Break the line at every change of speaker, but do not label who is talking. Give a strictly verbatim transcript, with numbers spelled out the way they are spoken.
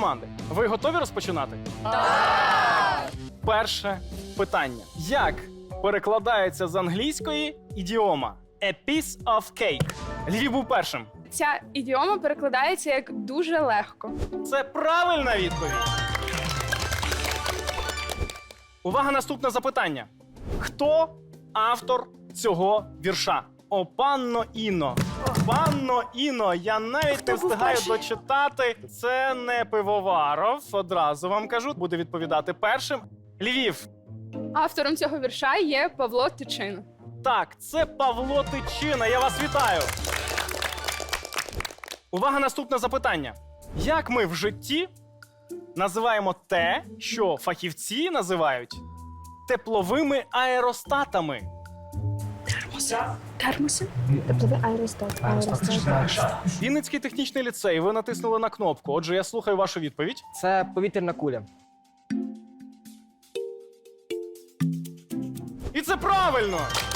команди. Ви готові розпочинати? Так! Перше питання. Як перекладається з англійської ідіома «a piece of cake»? Львів був першим.
Ця ідіома перекладається як дуже легко.
Це правильна відповідь. Увага, наступне запитання. Хто автор цього вірша? О, панно Іно. Панно Іно, я навіть не встигаю дочитати. Це не Пивоваров, одразу вам кажу. Буде відповідати першим. Львів.
Автором цього вірша є Павло Тичина.
Так, це Павло Тичина. Я вас вітаю. Увага, наступне запитання. Як ми в житті називаємо те, що фахівці називають тепловими аеростатами?
Термоси?
Тепловий аеростат. Аеростат.
Вінницький технічний ліцей, ви натиснули на кнопку. Отже, я слухаю вашу відповідь.
Це повітряна куля.
І це правильно!